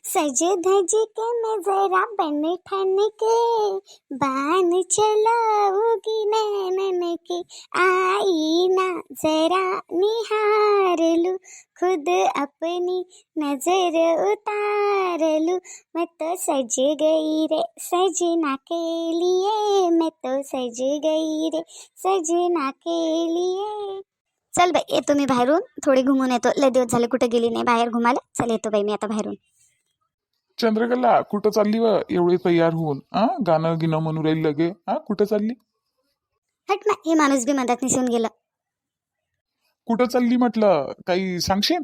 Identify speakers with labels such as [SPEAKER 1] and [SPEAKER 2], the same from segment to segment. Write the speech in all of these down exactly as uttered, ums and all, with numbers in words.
[SPEAKER 1] सज धज के मैं जरा बन ठन के बान चलाऊंगी नैनन के, आई ना जरा निहार लूं खुद अपनी नजर उतार लूं। मैं तो सज गई रे सजना के लिए, मैं तो सज गई रे सजना के लिए। चल बाई येतो मी बाहेरून, थोडी घुमून येतो. लय दिवस झाले कुठे गेली नाही बाहेर घुमायला. चल येतो बाई मी आता बाहेरून.
[SPEAKER 2] चंद्रकला कुठं चालली व एवढी तयार होऊन? आ गाणं गिणं म्हणू राहिली लगे. हा कुठं चालली?
[SPEAKER 1] हट ना, हे माणूस बी मधात निसून गेलं.
[SPEAKER 2] कुठं चालली म्हटलं, काही सांगशील?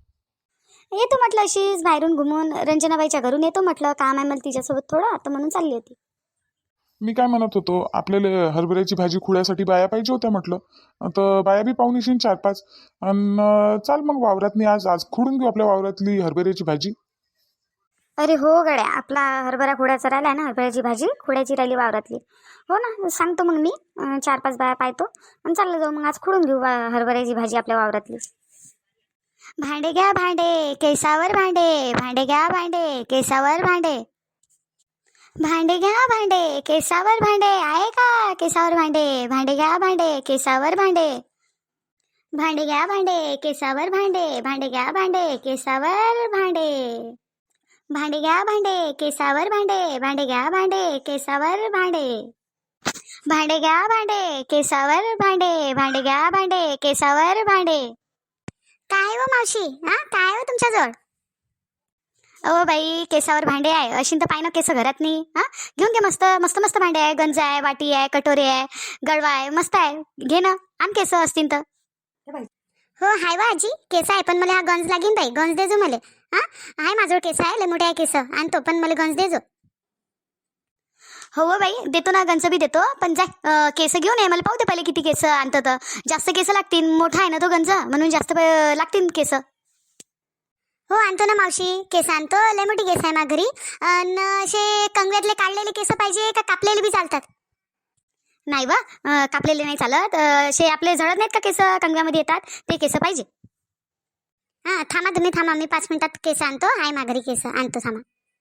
[SPEAKER 1] येतो म्हटलं अशीच बाहेरून घुमून, रंजनाबाईच्या घरून येतो म्हटलं. काम आहे मला तिच्यासोबत थोडं, आता म्हणून चालली होती.
[SPEAKER 2] मी काय म्हणत होतो, आपल्याला हरभऱ्याची भाजी खुळ्यासाठी बाया पाहिजे होत्या म्हटलं. तर बाया बी पाहून येशील चार पाच. आणि चाल मग वावरातनी आज आज खुडून घेऊ आपल्या वावरातली हरभऱ्याची भाजी.
[SPEAKER 1] अरे हो गड्या, आपला हरभरा खुड्याचा राहिला ना, हरभऱ्याची भाजी खुड्याची राहिली वावरातली. हो ना, सांगतो मग मी. अं, चार पाच बाया पाहतो आणि चाललं जाऊ मग आज खुडून घेऊ वा- हरभऱ्याची भाजी आपल्या वावरातली. भांडे घ्या भांडे केसावर भांडे, भांडे घ्या भांडे केसावर भांडे, भांडे घ्या भांडे केसावर भांडे. आहे का केसावर भांडे? भांडे घ्या भांडे केसावर भांडे, भांडे घ्या भांडे केसावर भांडे, भांडे घ्या भांडे केसावर भांडे, भांडे घ्या भांडे केसावर भांडे, भांडे घ्या भांडे केसावर भांडे, भांडे घ्या भांडे केसावर भांडे, भांडे घ्या भांडे केसावर भांडे. काय हो मावशी, हा काय हो तुमच्याजवळ? अहो बाई, केसावर भांडे आहे अशी तर पाय ना केस घरात नाही. हा घेऊन घे, मस्त मस्त मस्त भांडे आहे. गंज आहे, वाटी आहे, कटोरे आहे, गडवा आहे, मस्त आहे. घे ना, आण केस असतील तर. हो हाय वा आजी, केस आहे पण मला हा गंज लागीन बाई. गंज देजो मला. हा आहे माझ्यावर केस आहे, लय मोठे आहे केस, आणतो पण मला गंज देजो. हो बाई देतो ना, गंज बी देतो. पण जाय अं, केस घेऊन ये, मला पाहू दे पहिले किती केस आणतं. तर जास्त केस लागतील, मोठा आहे ना तो गंज, म्हणून जास्त प- लागतील केस. हो आणतो ना मावशी, केस आणतो. लय मोठी केस आहे माझ्या घरी. अन असे कंगव्यातले काढलेले केस पाहिजे का कापलेले बी चालतात? नाही वा, अं, कापलेले नाही चालत. अं, असे आपले झडत नाहीत का केस कंगव्यामध्ये येतात, ते केस पाहिजे. हा थांबा तुम्ही, थांबा मी पाच मिनिटात केस आणतो. आहे माझ्या घरी केस, आणतो थांबा.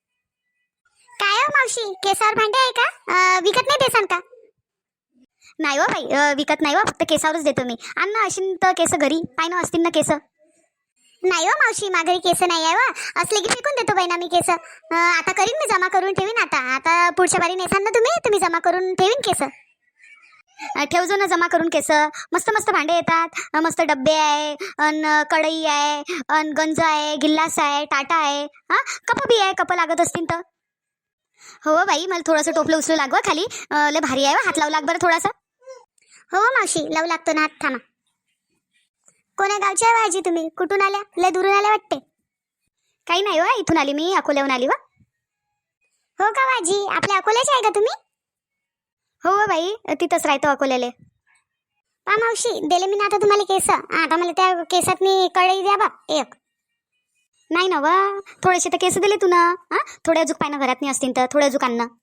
[SPEAKER 1] काय हो मावशी, केसावर भांडे आहे का? अं, विकत नाही देसान का? नाही हो बाई, अं, विकत नाही हो, फक्त केसावरच देतो मी. आण ना अशी तर केस घरी, पाय ना असतील ना केस. नाही हो मावशी, माझ्या घरी केस नाही आहे वा. असले की फेकून देतो बाई ना मी केस. अं, आता करीन मी, जमा करून ठेवीन. आता आता पुढच्या बारी नेसान ना तुम्ही, तुम्ही जमा करून ठेवीन केस. अं, ठेवजो ना जमा करून केस. मस्त मस्त भांडे येतात. अं, मस्त डब्बे आहे, अन कढई आहे, अन गंज आहे, गिल्लास आहे, टाटा आहे. हा कप बी आहे, कप लागत असतील तर. हो बाई, मला थोडंसं टोपलं उचलू लागवा खाली. अं, लय भारी आहे वा, हात लावू लाग बरं थोडासा. हो मावशी लावू लागतो ना हात, थांबा. कोण्या गावच्या आहे आजी तुम्ही? कुठून आल्या? लय दुरून आल्या वाटते. काही नाही वा, इथून आली मी, अकोल्याहून आली वा. हो का आजी, आपल्या अकोल्याचे आहे का तुम्ही? हो बाई, तिथंच राहतो अकोल्याले. पा मावशी, दिले मी ना आता तुम्हाला केस. आता मला त्या केसात मी कढई द्या बा एक. नाही ना वा, थोडेसे तर केस दिले तू ना. हा थोडे अजूक पाय ना घरात नाही असतील तर, थोडे अजूक आण ना.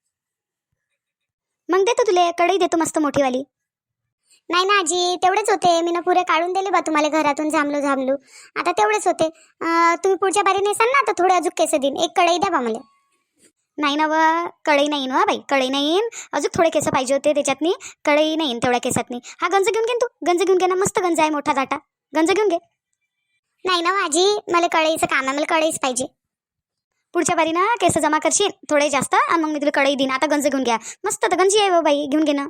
[SPEAKER 1] मग देतो तुले कढई, देतो मस्त मोठीवाली. नाही ना आजी, तेवढेच होते. मी ना पुरे काढून दिले बा तुम्हाला घरातून, झामलू झामलू. आता तेवढेच होते. अं, तुम्ही पुढच्या बारी नेसाल ना, तर थोडे अजून केस देईन. एक कढई द्या बा मला. नाही ना व, कढई नाही ना बाई, कढई नाही येईन. अजून थोडे केस पाहिजे होते त्याच्यातनी, कढई नाही येईन तेवढ्या केसातनी. हा गंज घेऊन घे तू, गंज घेऊन घे ना, मस्त गंज आहे मोठा दाटा, गंज घेऊन घे. नाही ना आजी, मला कढईचं काम आहे, मला कढईच पाहिजे. पुढच्या बारी ना केस जमा करशील थोडे जास्त, आणि मग मी तुला कढई देईन. आता गंज घेऊन घ्या, मस्त तर गंजी आहे व बाई, घेऊन घे ना.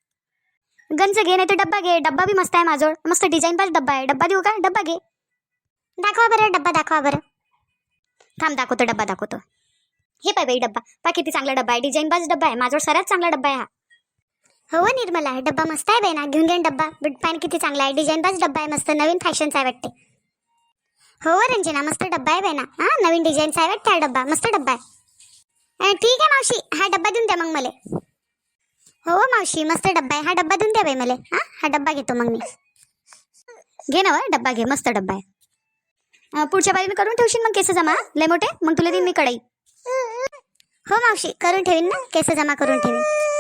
[SPEAKER 1] गंज घे, नाही तर डब्बा घे. डब्बा बी मस्त आहे माझोड, मस्त डिझाईन पाहिजे डब्बा आहे. डब्बा देऊ का? डब्बा घे. दाखवा बरं डब्बा, दाखवा बरं. थांब दाखवतो, डब्बा दाखवतो. हे पाय बाई डब्बा, पा किती चांगला डब्बा आहे, डिझाईन बाज डब्बा आहे माझोड, सराच चांगला डब्बा आहे हा. हो निर्मला, डब्बा मस्त आहे बाई ना, घेऊन घे डब्बा. पॅन किती चांगला आहे, डिझाईन बाज डब्बा आहे, मस्त नवीन फॅशनचा आहे वाटते. हो रंजना, मस्त डब्बा आहे बाई ना. हा नवीन डिझाईनचा आहे वाटते हा डब्बा, मस्त डब्बा आहे. ठीक आहे मावशी, हा डब्बा देऊन द्या मग मला. हो मावशी, मस्त डब्बा आहे, हा डब्बा देऊन द्या बाई मला. हा हा डब्बा घेतो मग मी. घे ना व डब्बा घे, मस्त डब्बा आहे. अं, पुढच्या बारीने करून ठेवशील मग केस जमा लय मोठे, मग तुला देईन मी कढई. हो मावशी, करून ठेवीन ना, केस जमा करून ठेवीन.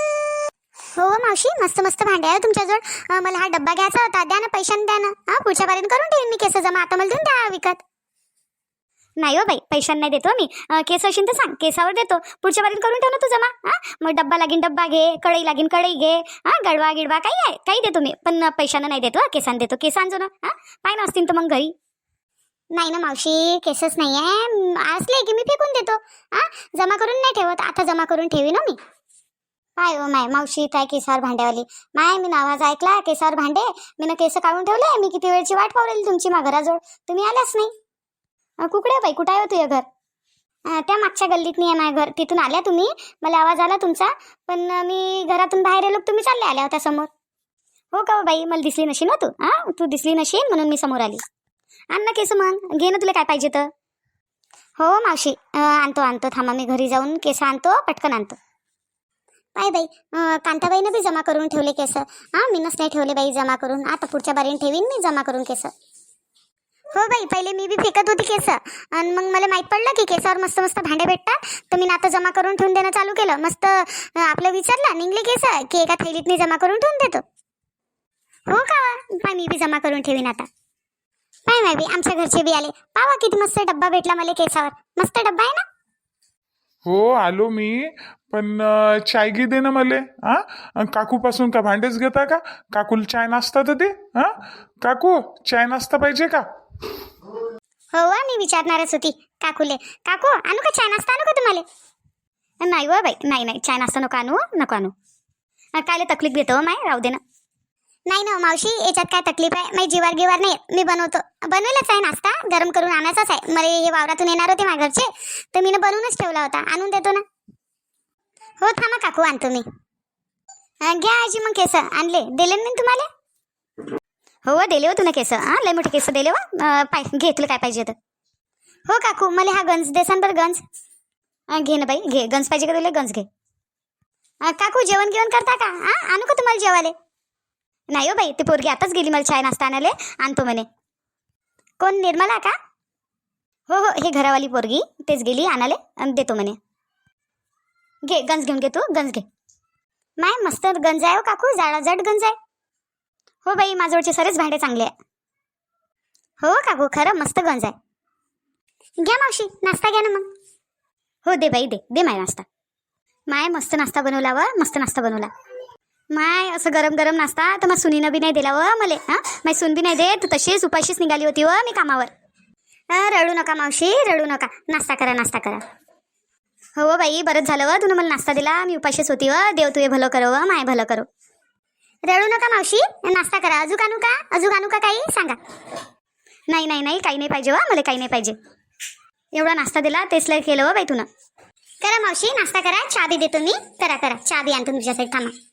[SPEAKER 1] हो मावशी, मस्त मस्त भांडे आहे तुमच्याजवळ. अं, मला हा डब्बा घ्यायचा होता, द्या ना पैशाने, द्या ना. हा पुढच्या बारीने करून ठेवीन मी केस जमा, आता मला देऊन द्या विकत. नाही हो बाई, पैशांना नाही देतो मी. अं, केस असेल तर सांग, केसावर देतो. पुढच्या बारीत करून ठेव ना तू जमा. हा, मग डब्बा लागीन डब्बा घे, कढई लागीन कढई घे, हा, गडवा गिडवा काही आहे काही देतो मी, पण पैशानं नाही देतो. केसान देतो. केस आणजो ना. हा, पाय ना असतील तर मग घरी. नाही ना मावशी, केसच नाही आहे. असले की मी फेकून देतो. हा, जमा करून नाही ठेवत. आता जमा करून ठेवी ना मी. काय हो माय मावशी, काय केसावर भांड्यावाली माय, मी नावाज ऐकला केसावर भांडे. मी ना केस काढून ठेवले. मी किती वेळची वाट पावलेली तुमची मा घराजवळ, तुम्ही आल्याच नाही. अं, कुकडे बाई, कुठं आहे हो तुझं घर? अं, त्या मागच्या गल्लीत नाही आहे माझं घर. तिथून आल्या तुम्ही, मला आवाज आला तुमचा, पण अं, मी घरातून बाहेर आलो, तुम्ही चालले आल्या होत्या समोर. हो का हो बाई, मला दिसली नशी ना तू. हा, तू दिसली नशी म्हणून मी समोर आली. आण ना केस मग, घे ना तुला काय पाहिजे तर. हो मावशी, अं, आणतो आणतो थांबा, मी घरी जाऊन केस आणतो, पटकन आणतो. बाई बाई, अं, कांताबाईनं बी जमा करून ठेवले केस. हां, मीनच नाही ठेवले बाई जमा करून. आता पुढच्या बारीने ठेवीन मी जमा करून केस. हो बाई, पहिले मी बी फेकत होती केस, आणि मग मला माहीत पडलं की केसावर मस्त मस्त भांडे भेटतात, तर मी आता जमा करून ठेवून देणं चालू केलं. मस्त अं, आपलं विचारलं निघले केस की एका थैलीतनी जमा करून ठेवून देतो. हो का, पाय मी बी जमा करून ठेवीन आता. पाय माय बी, आमच्या घरचे बी आले. पावा किती मस्त डब्बा भेटला मला केसावर. मस्त डब्बा आहे ना.
[SPEAKER 2] हो आलो मी, पण अं, चाय घे दे ना मले. हा, काकू पासून का भांडेच घेता का? काकूला चाय नाश्ता तर दे. हा, काकू चाय नाश्ता पाहिजे का?
[SPEAKER 1] हो वा, मी विचारणारच होती काकूले. काकू आणू का चाय नाश्ता, आणू का तुम्हाला? नाही व बाई, नाही नाही, चाय नाश्ता नको आणू, नको आणू. अं, कायले तकलीफ घेतो माय, राहू दे ना. नाही ना मावशी, याच्यात काय तकलीफ आहे? माझी जीवार गिवार नाही, मी बनवतो. बनवलाच आहे नाश्ता, गरम करून आणायचाच आहे. मला हे वावरातून येणार होते माझ्या घरचे, तर मी बनवूनच ठेवला होता, आणून देतो ना. हो थांबा काकू, आणतो मी. अं, घ्या आजी मग केस आणले, दिले ना तुम्हाला? हो दिले हो तुला केस. हां, लय मोठे केस दिले हो. पाय घे, तुला काय पाहिजे तर. हो काकू, मला हा गंज देसान बरं, गंज. अं, घे ना बाई, घे. गंज पाहिजे का तुला? गंज घे. अं, काकू जेवण गिवण करता का? हां, आणू का तुम्हाला जेवाले? नाही हो बाई, ती पोरगी आताच गेली मला चाय नाश्ता आणायला, आणतो म्हणे. कोण, निर्मला का? हो हो, हे घरावाली पोरगी, तेच गेली आणाले आणि देतो म्हणे. घे गंज, घेऊन घे तू, गंज घे. माय मस्त गंज आहे हो काकू, जाडा जड गंज आहे. हो बाई, माझ्यावरचे सरेच भांडे चांगले आहे. हो काकू, खरं मस्त गंज आहे. घ्या मावशी, नाश्ता घ्या ना मग. हो दे बाई, दे दे माय नाश्ता. माय मस्त नाश्ता बनवला व, मस्त नाश्ता बनवला. माय असं गरम गरम नाश्ता तर मग सुनीनं बी नाही दिला व मले. हां, माय सून बी नाही दे, तू तशीच उपाशीच निघाली होती व मी कामावर. अं, रडू नका मावशी, रडू नका. नाश्ता करा, नाश्ता करा. हो बाई, बरंच झालं व तुला मला नाश्ता दिला, मी उपाशीच होती व. देव तुझे भलं करो व माय भलं करो. रडू नका मावशी, नाश्ता करा. अजून आणू का? अजून आणू का काही सांगा. नाही नाही नाही, काही नाही पाहिजे व मला, काही नाही पाहिजे. एवढा नाश्ता दिला तेच लय केलं व बाई तुनं. करा मावशी, नाश्ता करा. चहा बी देतो मी. करा करा, चहा बी आणतो तुमच्यासाठी, थांबा.